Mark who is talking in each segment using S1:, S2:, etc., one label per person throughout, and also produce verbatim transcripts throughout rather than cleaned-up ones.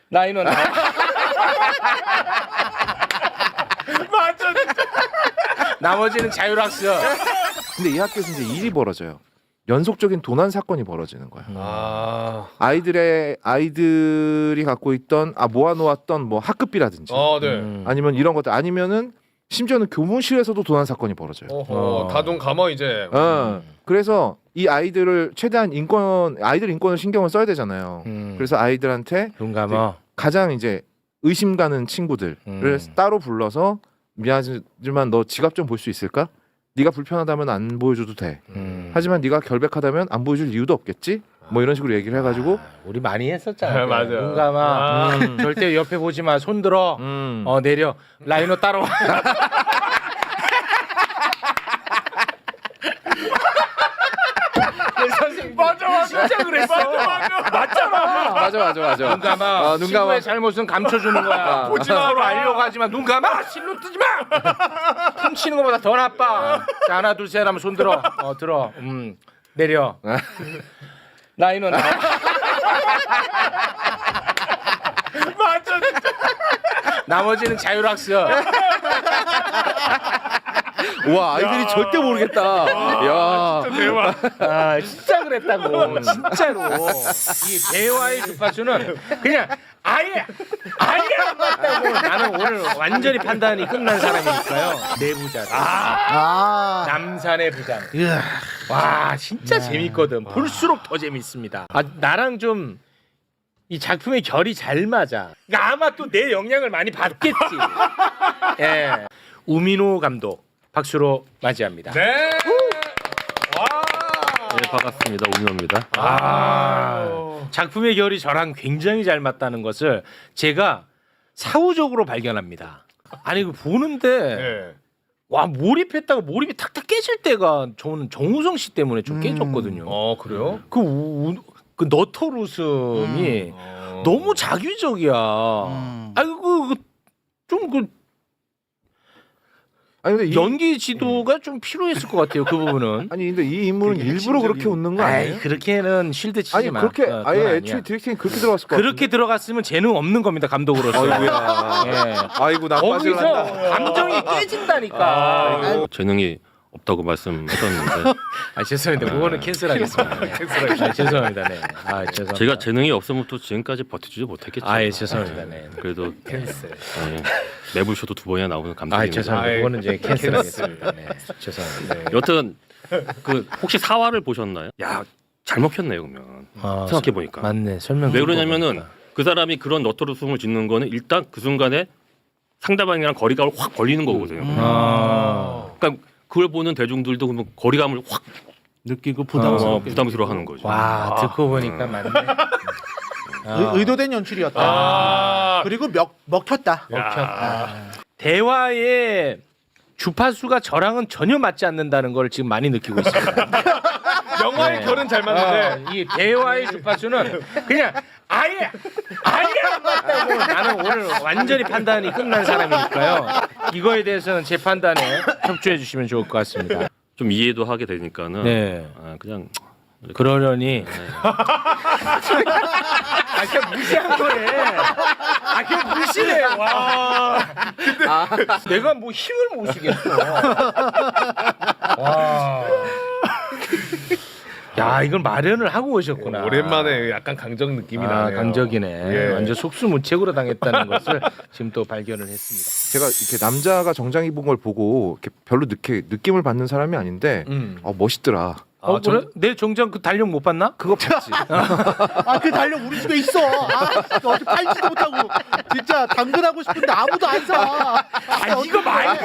S1: 라인은 나와.
S2: 맞아 진짜.
S1: 나머지는 자율학습.
S3: 근데 이 학교에서 이제 일이 벌어져요. 연속적인 도난 사건이 벌어지는 거야.
S2: 아,
S3: 아이들의 아이들이 갖고 있던 아 모아놓았던 뭐 학급비라든지
S2: 어, 네.
S1: 음.
S3: 아니면 이런 것들 아니면은 심지어는 교무실에서도 도난 사건이 벌어져요.
S2: 어허,
S1: 어.
S2: 다돈 감어 이제.
S3: 어, 그래서 이 아이들을 최대한 인권 아이들 인권을 신경을 써야 되잖아요.
S1: 음.
S3: 그래서 아이들한테
S1: 눈 감아.
S3: 가장 이제 의심 가는 친구들을
S1: 음.
S3: 따로 불러서 미안하지만 너 지갑 좀 볼 수 있을까? 네가 불편하다면 안 보여줘도 돼.
S1: 음.
S3: 하지만 네가 결백하다면 안 보여줄 이유도 없겠지? 뭐 이런 식으로 얘기를 해가지고
S1: 아, 우리 많이 했었잖아.
S2: 네, 맞아요.
S1: 눈 감아.
S2: 아.
S1: 음. 절대 옆에 보지 마. 손 들어.
S3: 음.
S1: 어 내려. 라이너 따라와. 선생님
S2: 맞아 맞아.
S1: 진짜 그랬어.
S2: 맞아 맞아.
S1: 맞잖아.
S3: 맞아 맞아 맞아.
S1: 눈 감아.
S3: 아, 눈
S1: 친구의
S3: 감아.
S1: 잘못은 감춰주는 거야.
S3: 아.
S1: 보지 마. 서로 알려고 하지만 눈 감아. 실로 뜨지 마. 훔치는 것보다 더 나빠. 자, 하나 둘 셋 하면 손 들어. 어 들어. 음 내려. 라이너 나와.
S2: 맞아 진짜.
S1: 나머지는 자율학습.
S3: 와 아이들이
S2: 야.
S3: 절대 모르겠다. 야.
S2: 진짜 대박.
S1: 아 진짜 그랬다고. 진짜로. 이 대화의 주파수는 그냥 아예 아예 안 맞다고. 나는 오늘 완전히 판단이 끝난 사람이니까요. 내부자.
S4: 아.
S1: 남산의 부장.
S4: 이야.
S1: 와 진짜 재밌거든. 볼수록 더 재밌습니다. 아 나랑 좀 이 작품의 결이 잘 맞아. 그러니까 아마 또 내 영향을 많이 받겠지. 예. 우민호 감독 박수로 맞이합니다.
S2: 네. 와.
S5: 네, 반갑습니다. 우민호입니다.
S1: 아, 작품의 결이 저랑 굉장히 잘 맞다는 것을 제가 사후적으로 발견합니다. 아니 그 보는데
S2: 네.
S1: 와 몰입했다가 몰입이 탁탁 깨질 때가 저는 정우성 씨 때문에 좀 깨졌거든요.
S2: 어 그래요?
S1: 그, 우, 그 너털 웃음이
S2: 어.
S1: 너무 자기적이야.
S4: 음.
S1: 아이고 좀그
S3: 아니 근데 이,
S1: 연기 지도가 좀 필요했을 것 같아요. 그 부분은.
S3: 아니 근데 이 인물은
S2: 되게
S3: 일부러 그렇게
S2: 핵심적인-
S3: 웃는 거
S1: 아이,
S3: 아니에요?
S1: 그렇게는 실드 치지
S3: 아니
S1: 마.
S3: 그렇게
S1: 어, 그건
S3: 아예
S1: 아니야.
S3: 애초에 디렉팅이 그렇게 들어갔을 것
S1: 그렇게
S3: 같은데.
S1: 들어갔으면 재능 없는 겁니다. 감독으로서.
S3: 아이고야.
S1: 예.
S3: 아이고 나빠질
S1: 거기서
S3: 난다.
S1: 감정이 깨진다니까.
S2: 아이고.
S5: 재능이 없다고 말씀하셨는데
S1: 아 죄송합니다. 그거는 캔슬하겠습니다. 네. 아, 죄송합니다. 네. 아 죄송합니다.
S5: 제가 재능이 없으면 또 지금까지 버텨주지 못했겠죠.
S1: 아 예, 죄송합니다. 네.
S5: 그래도
S1: 캔슬.
S5: 네, 매불쇼도 두 번이나 나오는
S1: 아
S5: 감독입니다.
S1: 죄송합니다.
S2: 아이,
S1: 그거는 이제 캔슬하겠습니다. 네. 죄송합니다. 네.
S5: 여튼 그 혹시 사화를 보셨나요? 야, 잘 먹혔네요 그러면.
S1: 아,
S5: 생각해 보니까.
S1: 맞네. 설명.
S5: 왜 그러냐면은 그 사람이 그런 너털웃음을 짓는 거는 일단 그 순간에 상대방이랑 거리감을 확 벌리는 거거든요.
S1: 아.
S5: 그러니까 그걸 보는 대중들도 그러면 거리감을 확
S4: 느끼고
S5: 어,
S4: 부담스럽게.
S5: 부담스러워하는 거죠.
S1: 와 듣고 보니까 맞네. 아.
S4: 의, 의도된 연출이었다.
S2: 아.
S4: 그리고 먹 먹혔다.
S1: 먹혔다. 대화의 주파수가 저랑은 전혀 맞지 않는다는 걸 지금 많이 느끼고 있습니다.
S2: 영화의
S1: 네.
S2: 결은 잘 맞는데.
S1: 어, 이 대화의 주파수는 그냥 아예 아예 안 맞다고. 나는 오늘 완전히 판단이 끝난 사람이니까요. 이거에 대해서는 제 판단에 협조해 주시면 좋을 것 같습니다.
S5: 좀 이해도 하게 되니까는
S1: 네.
S5: 아, 그냥
S1: 그러려니 아 그냥 무시한 거네. 아 그냥 무시해. 와. 근데 내가 뭐 힘을 못 쓰겠어. 와. 야 이걸 마련을 하고 오셨구나.
S2: 오랜만에 약간 강적 느낌이
S1: 아,
S2: 나네요.
S1: 강적이네.
S2: 예.
S1: 완전 속수무책으로 당했다는 것을 지금 또 발견을 했습니다.
S3: 제가 이렇게 남자가 정장 입은 걸 보고 이렇게 별로 느끼, 느낌을 받는 사람이 아닌데
S1: 음.
S3: 어, 멋있더라.
S1: 어
S2: 아, 정-
S1: 그래? 내 정장 그 달력 못 봤나?
S3: 그거 봤지.
S4: 아 그 달력 우리 집에 있어. 아 어디 팔지도 못하고 진짜 당근하고 싶은데 아무도 안 사.
S1: 아 이거 말고.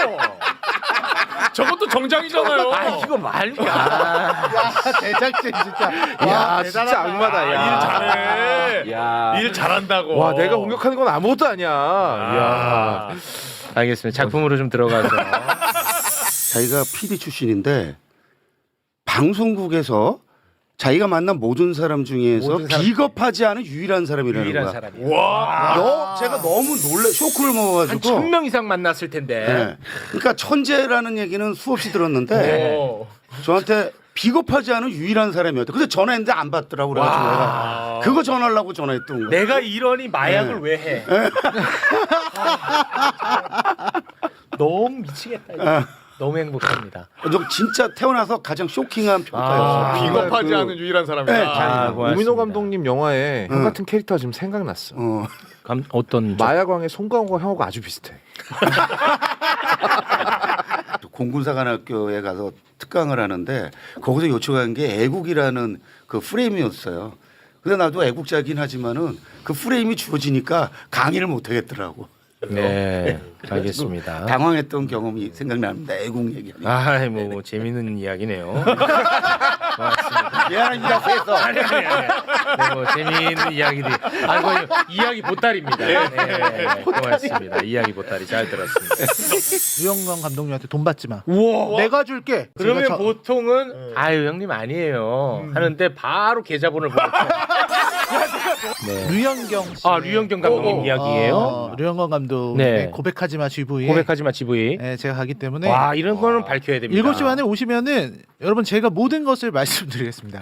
S2: 저것도 정장이잖아요.
S1: 아 이거 말고. 아.
S4: 야 제작진 진짜.
S3: 야 진짜 악마다.
S2: 아,
S3: 야.
S2: 일 잘해.
S3: 야.
S2: 일 잘한다고.
S3: 와 내가 공격하는 건 아무것도 아니야.
S2: 아.
S3: 야.
S1: 알겠습니다. 작품으로 좀 들어가서.
S6: 자기가 피디 출신인데 방송국에서 자기가 만난 모든 사람 중에서
S1: 모든 사람
S6: 비겁하지 않은 유일한 사람이라는
S1: 유일한
S6: 거야.
S1: 사람이야.
S2: 와.
S6: 너 제가 너무 놀래 쇼크를
S1: 한
S6: 먹어가지고.
S1: 천 명 이상 만났을 텐데.
S6: 네. 그러니까 천재라는 얘기는 수없이 들었는데
S2: 오.
S6: 저한테 비겁하지 않은 유일한 사람이었다. 근데 전화했는데 안 받더라고 그래가지고 내가
S2: 와.
S6: 그거 전하려고 전화했던 거.
S1: 내가 이러니 마약을
S6: 네.
S1: 왜 해? 아, 너무 미치겠다. 이거. 너무 행복합니다.
S6: 너 진짜 태어나서 가장 쇼킹한 평가였어.
S1: 아,
S2: 비겁하지
S6: 그-
S2: 않은 유일한 사람이다.
S6: 네,
S1: 아, 고맙습니다.
S3: 우민호 감독님 영화에 형
S6: 응.
S3: 같은 캐릭터가 지금 생각났어.
S6: 어.
S1: 감, 어떤 점?
S3: 마야광의 송강호가 형하고 아주 비슷해.
S6: 공군사관학교에 가서 특강을 하는데 거기서 요청한 게 애국이라는 그 프레임이었어요. 근데 나도 애국자긴 하지만은 그 프레임이 주어지니까 강의를 못 하겠더라고.
S1: 네, 알겠습니다.
S6: 당황했던 경험이 생각납니다. 애국 얘기하니까.
S1: 아, 뭐 재밌는 이야기네요.
S6: 미안합니다. 그래서
S1: 아니 아니 아니. 네, 뭐 재미있는 이야기들이. 아, 이거 이야기 보따리입니다. 네, 네, 고맙습니다. 이야기 보따리 잘 들었습니다.
S4: 류영광 감독님한테 돈 받지 마.
S1: 우와.
S4: 내가 줄게.
S1: 그러면
S4: 제가 저-
S1: 보통은 아유 형님 아니에요 하는데 바로 계좌번호를 보고. 네.
S4: 류영경 씨.
S1: 아 류영경 감독님
S2: 어,
S1: 이야기예요.
S4: 어, 류영광 감독
S1: 네.
S4: 고백하지 마 지부에.
S1: 고백하지 마 지브이.
S4: 네, 제가 가기 때문에
S1: 와 이런 거는 밝혀야 됩니다.
S4: 일곱 시 반에 오시면은 여러분 제가 모든 것을 말씀드리겠습니다.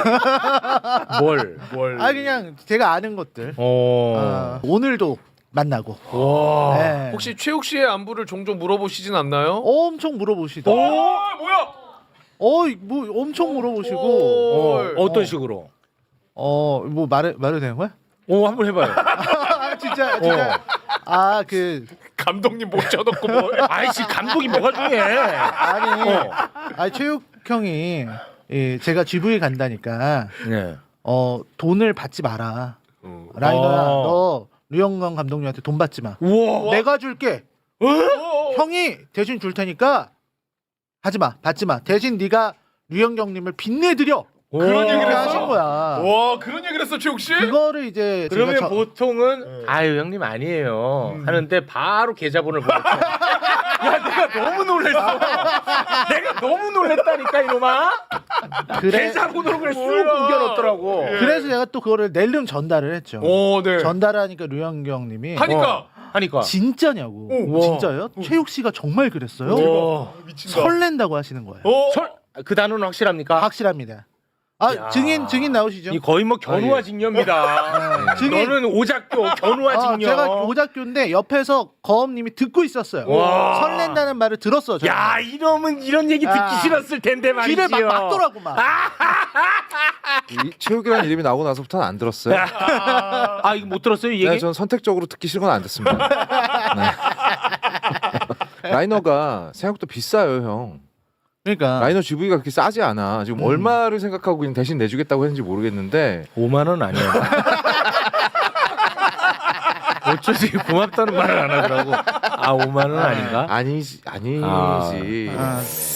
S1: 뭘?
S2: 뭘?
S4: 아 그냥 제가 아는 것들.
S1: 어.
S4: 아, 오늘도 만나고.
S1: 와.
S4: 네.
S2: 혹시 최욱 씨의 안부를 종종 물어보시진 않나요?
S4: 엄청 물어보시다.
S2: 오, 뭐야?
S4: 어, 뭐 엄청 물어보시고.
S2: 오.
S1: 어, 어떤 식으로?
S4: 어, 뭐 말해 말해도 되는 거야?
S1: 오 한번 해봐요.
S4: 아, 진짜 진짜. 아, 그
S2: 감독님 모셔놓고 뭐?
S1: 아이씨 감독이 뭐가 중요해?
S4: 아니.
S1: 어.
S4: 아, 최욱 형이 예, 제가 지브이 간다니까
S1: 네.
S4: 어, 돈을 받지 마라. 라이너야,
S1: 어.
S4: 너 류영광 감독님한테 돈 받지 마.
S1: 우와.
S4: 내가 줄게. 형이 대신 줄 테니까 하지 마. 받지 마. 대신 네가 류영경님을 빚내드려.
S2: 그런 얘기를
S4: 그렇게
S2: 했어?
S4: 하신 거야.
S2: 와, 그런 얘기를 했어, 최욱 씨?
S4: 그거를 이제
S1: 그러면
S4: 제가 저-
S1: 보통은 아유 형님 아니에요 하는데 바로 계좌번호를 보고. 야 내가 너무 놀랬어. 내가 너무 놀랬다니까 이놈아.
S4: 그래,
S1: 계좌번호를 그냥 쑥 옮겨놓더라고.
S4: 그래서 제가 또 그거를 낼름 전달을 했죠.
S2: 오, 네.
S4: 전달하니까 류영경님이
S2: 하니까.
S1: 어, 하니까.
S4: 진짜냐고.
S1: 오.
S4: 진짜요? 최욱 씨가 정말 그랬어요?
S1: 와.
S2: 미친다.
S4: 설렌다고 하시는 거예요.
S2: 어?
S1: 설, 그 단어는 확실합니까?
S4: 확실합니다. 아,
S1: 야.
S4: 증인 증인 나오시죠?
S1: 이 거의 뭐 견우와
S2: 아, 예.
S1: 직녀입니다.
S4: 증인.
S1: 너는 오작교 견우와
S4: 아,
S1: 직녀.
S4: 제가 오작교인데 옆에서 거엄님이 듣고 있었어요.
S1: 와.
S4: 설렌다는 말을 들었어. 저는.
S1: 야 이놈은 이런 얘기 듣기
S4: 아.
S1: 싫었을 텐데 말이지요.
S4: 귀를 막 막더라고 막.
S3: 이 최욱이라는 이름이 나오고 나서부터는 안 들었어요.
S1: 아 이거 못 들었어요 이 얘기?
S3: 네, 전 선택적으로 듣기 싫은 건 안 듣습니다. 네. 라이너가 생각보다 비싸요, 형.
S4: 그러니까
S3: 라이너 지브이가 그렇게 싸지 않아. 지금
S4: 음.
S3: 얼마를 생각하고 그냥 대신 내주겠다고 했는지 모르겠는데
S1: 오만 원 아니야. 어쩌지 고맙다는 말을 안 하더라고. 아 오만 원 아닌가?
S3: 아니지, 아니지.
S1: 아.
S4: 아,